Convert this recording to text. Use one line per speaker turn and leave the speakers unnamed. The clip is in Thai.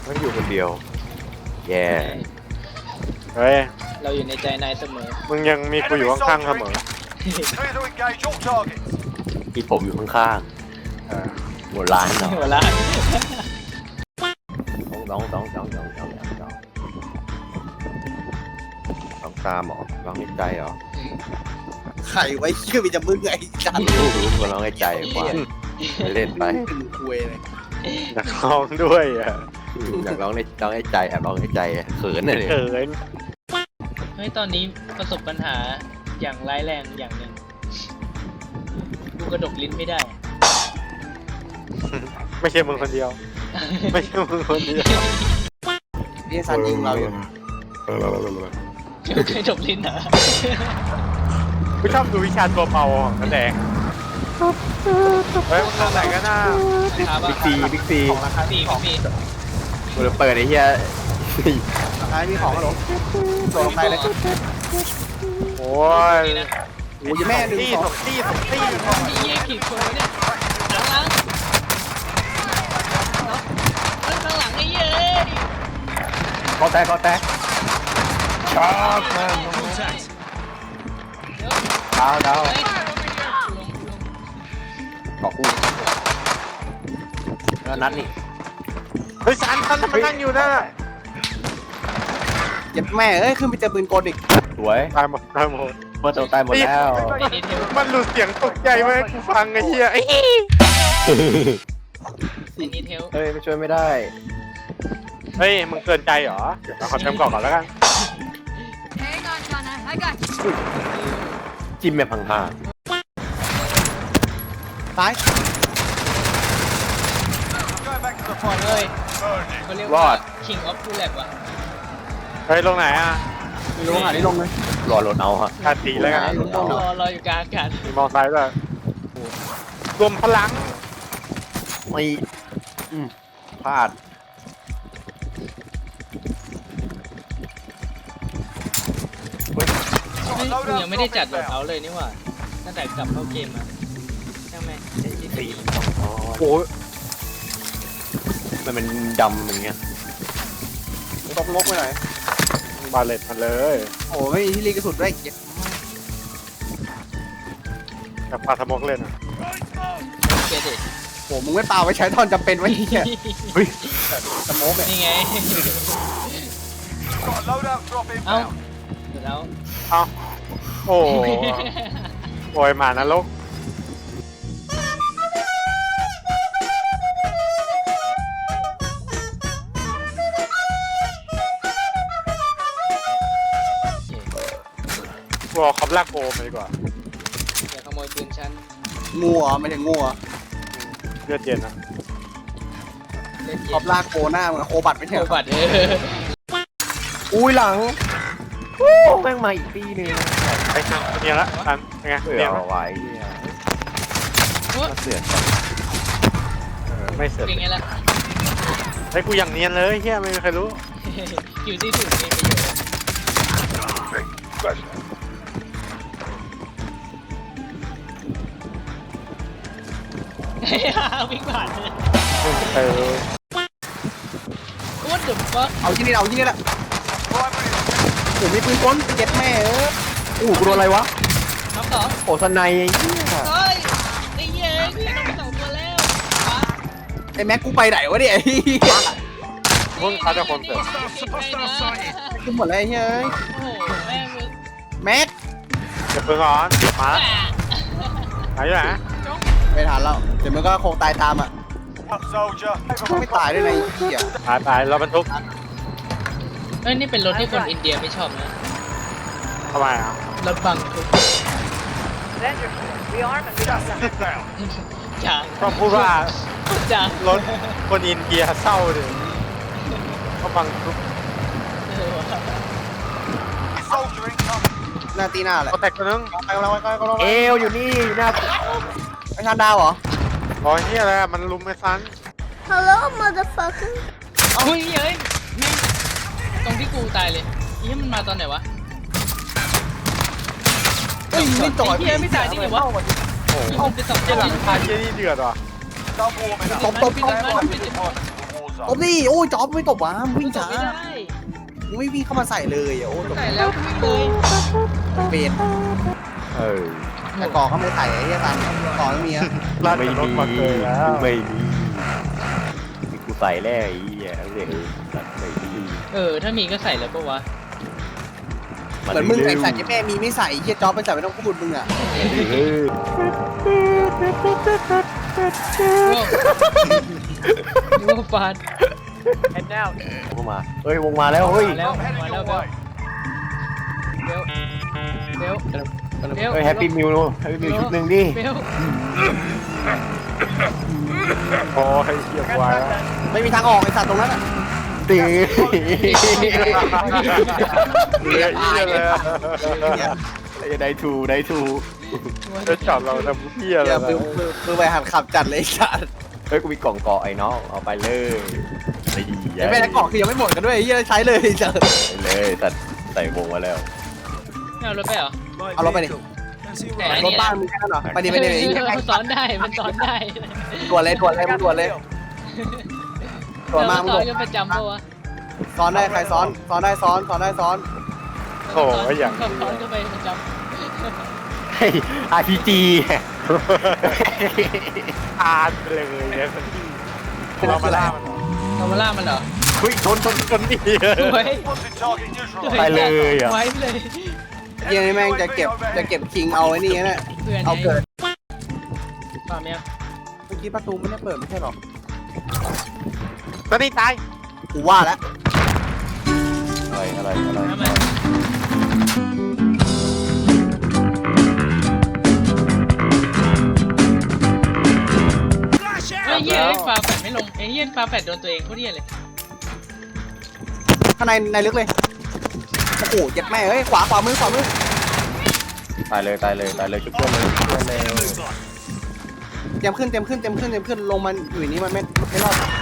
มันอยู่คนเดียวแย่
เฮ้ย
เราอยู่ในใจนายเสมอ
มึงยังมีกูอยู่ข้างๆเสมอ
Clear to engage all targets.
ที่ผมอยู่ข้างๆหัวล้านเนาะ
หัวล้าน
สองตามหรอร้องในใจเหรอ
ไข่ไว้เชื่อมีจะมึงไอ้จัน
รู้ก็ร้องในใจกว่าเล่นไป
คุยเลย
นักร้องด้วยอ่ะ
อยากร้องในใจแอบร้องในใจเขินเลย
เขิน
เฮ้ยตอนนี้ประสบปัญหาอย่างร้ายแรงอย่างหนึ่งกูกระดกลิ้นไม่ได้
ไม่ใช่มึงคนเดียว ไม่ใช่มึงคนเดียว
พี่ซันยิงเราอยู่
กระดกลิ้นเหรอ
กูชอบดูวิชาตัวเบาของนักแสดงเฮ้ยมึงทำไหนกันน่ะ
ครับ
บิ๊กซี
ของราคา
ปี
ของ
ปี
กูจะเปิดไอ้เหี้ย
ราคามีของหรอโดนลงไปเลย
โอ้ย
นี่นะ
โอ้ยแม่หนึ่ง
ตี้
ส
ส
อ
อง งตี้สองตี้
มีเยี่ยกี่คนวะเนี่ยหลังข้างหลังไอ้เย้ย
ก็แตกช็อตมา
เดี๋ยว
ดาว
เฮ้ย
เกาะกูแล้วนัดนี่
เฮ้ยสันมันนั่งอยู่นั่นน่ะ
เจ็บแม่เอ้ยขึ้นไปเจอปืนกลอีก
สวย
ตายหมดตายหมด
เมื่อตัวตายหมดแล้ว
ไอ้นี่เทล
มันหลุดเสียงตกใจไหมกูฟังไอ้เหี้ยไอ้
ไอ้นี่เทล
เฮ้ยไม่ช่วยไม่ได้
เฮ้ยมึงเกินใจเหรอเดี๋ยวเราขอเติมก่อนแล้วกัน
Hang on, Connor. I got you.
จิ้มแบบพัง
ซ้าย
Going back to the
พอเลย
burning.
เขาเรียกว่า King of Full Lab ว่ะ
เฮ้ยลงไหนอ่ะ
มีลงหาที่ลงเลย
รอรถเอาฮะ
ขาดตีแล้วกัน
รออยู่กลางอากาศ
มีมองซ้ายด้วยรวมพลัง
ไม่พลาด
กูยังไม่ได้จัดโหลดเอาเลยนี่หว่าตั้งแต่กลับเข้าเกมมาช่างแม่งใช้ชีวิต
โอ้ย
มันเป็นดำอย่างเงี้ย
ตกงกไปหน่อย
บาเลตมาเลย
โอ้ไม่มีที่รีกระสุนด้วยเจ็บ
กับปลาทมกเล่นอ่ะ
เกเด็ด
โอ้มึงไม่เปล่าไปใช้ตอนจำเป็นไว้เนี่ยสโมกเนี่ย
นี่ไง
Got a loadout drop
เอ้า
inbound.
เดี๋ยวแล้ว
เอ้าโอ้โหโอยหมานรก กูเอาคำลากโกมาดีกว่า
อย่าขโมยปืนฉัน
งัวไม่ถึงงัว
เลือดเย็นนะ
เล่นเก
ขอบ
ม
ลากโคหน้ามึงโคบัตไม่ใช่
โค
เหรอ
บัต
อุ้ยหลังแม่งมาอีกปีนึง
ไอ้ชังเนียนละชันเป็นไง
เผื่
เนียน
อ
ละ
ไว้เสือก
ไม่เสร็จ
เป็นไงล่ะ
ไอ้กูอย่างเนียนเลยเฮียไม่มีใครรู้
อยู่ที่ถูกมีประโยชน์วิ่งผ่านเลย
เออ
What the fuck
เอาที่นี่เอาที่นี่แหละ
Primary
โอ้มีปืนกลเจ็บแม่เอ้ย
อู้กูโดนอะไรวะ
น้องสอง
โอ้สไนไอ้เหี้ย
เฮ้ยไอ้เย้ยพี่น้องสองตัวแล้ว
ไอ้แม็กกูไปไหนวะเนี่ยไอ้เหี้ย
เพิ่งคัดจากคนเสร็จ
กูหมดเลยไอ้เฮ้ย
โอ้โหแม่งมึง
แม็ก
เดี๋ยวเพิ่งก่อนมาไหนอยู่ไหน
ไม่ทันแล้วเดี๋ยวมันก็คงตายตามอ่ะ
up, soldier.
ไม่ตายด้วยนะไอ้เหี้ย
ตายเราบรรทุก
เอ้ยนี่เป็นรถที่คนอินเดียไม่ชอบนะ
ทำไมอ่ะ
รถบังทุก
Gas is inbound.
จาง
ก็พูดว่า
จาง
รถคนอินเดียเศร้าดิเขาบังทุก
Soldier incoming.
หน้าตีหน้าแหละ
เขาแตกตัวนึง
ไปกันแล้วไปกันแล้ว
เอวอยู่นี่อยู่หน้า
ไอ้ชานดาวเหรอ
อ๋อเฮียอะไรมันลุมไม่ซัน
Hello, motherfucker.
เฮ้ยเฮ้ยแม่งตรงที่กูตายเลยเฮ้ยมันมาตอนไหนวะ
เฮ้ยไม่ต่อย
ไอ้เหี้ยไม่ตายจริงเหรอวะ
โอ้โห
เอาไปสอง
เฮียหลัง
ตัว
คาเฮียนี่เดือดว่ะ
Start warming up.
Stop, stop, stop.
War
ตบดิโอ้ยจ๊อบไม่ตบวะวิ่ง
ตบ
ช้า
ไม่ได้
ไม่วิ่งเข้ามาใส่เลยโอ้ตบ
ใส่แล้ววิ่งเลย
เป็น
เออ
แต่ก่อเขาไม่ใส่ไอ้เหี้ยตันก่อต้องมีอะ
ลาด
ไม่
รถ
มี
มาเกยแล้ว
ไม่มีกูใส่แล้วไอ้เหี้ยเด็กไม่มี
ถ้ามีก็ใส่แล้วปะวะ
เหมือนมึงไอ้สัตว์ที่แม่มีไม่ใส่เหี้ยจ๊อบไปใส่ไม่ต้องพูดมึงอะ
เออ
นึกว่าฟาด
แอนแนว
วงมาเฮ้ยวงมาแล้วเฮ้ย
มาแล้ว
I'm heading
มาแล้ว
your way.
เบลเบลเบล
เฮ้ยแฮปปี้มิวแฮปปี้มิวชุดหนึ่งดิ
เบล
โอ้ยเหี้ยควายแล้ว
ไม่มีทางออกไอ้สัตว์ตรงนั้นอะ
ตี
เหี้ยเหี้ยเลย
ได้ทูได้ทู
จะจับเราทำเหี้ยอะไร
เดี๋ยวมือไปหัดขับจัดเลยไอ้สัตว์
เฮ้ยกูมีกล่องเกาะไอ้น้องเอาไปเลยตี
ยังไม่ได้กรอกคือยังไม่หมดกันด้วยไอ้เหี้ยใช้เลยไอ้สัตว์
ไปเลยตัดใส่วงมาแล้ว
เอารถไปเหรอ
เอารถไปดิ
แต่อัน
ร
นี้
ถบ้านมึงแค่นั้นเหรอไปดิไปดิไอ้เหี้ย
มันซ้อนได้มันซ้อนได้
ตรวจเลยตรวจเลยมึงตรวจเลยตรวจมามึง
ซ้
ต
อ
รวน จ
กันประจำปะวะ
ซ้อนได้ใครซ้อนซ้อนได้ซ้อนซ้อนได้ซ้อน
โอ้ยอย่าง
ซ้อนกันไปประจ
เฮ้ย RPG
ทานไปเลยเนี่ยเรามาล่ามัน
ำเรามาล่ามันเหรอ
เฮ้ยชนชน
คนนี้
เฮ้ย
Wanted target neutralized.
ไปเลยอ่ะ
ไว้เลย
เหี้ยนี่แม่งจะเก็บคิงเอาไอ้นี่นะ
เพื่อน
เอาเกิด
ฟาร์มยัง
เมื่อกี้ประตูไม่ได้เปิดไม่ใช่หรอ
ตอนนี้ตาย
กูว่าแล้ว
อะไร
น้ำมันเฮ้ยเหี้ยฟาแฟดไม่ลงเหี้ยฟาแฟดโดนตัวเองโคตรเหี้ยเลย
ข้างในลึกเลยโอ้โหเจ็บแม่เฮ้ยขวามือ
ตายเลยชุดเพื่อนเลยชุดเพื่อนเลย
เตรียมขึ้นลงมันอยู่อย่างนี้มันไม่รอด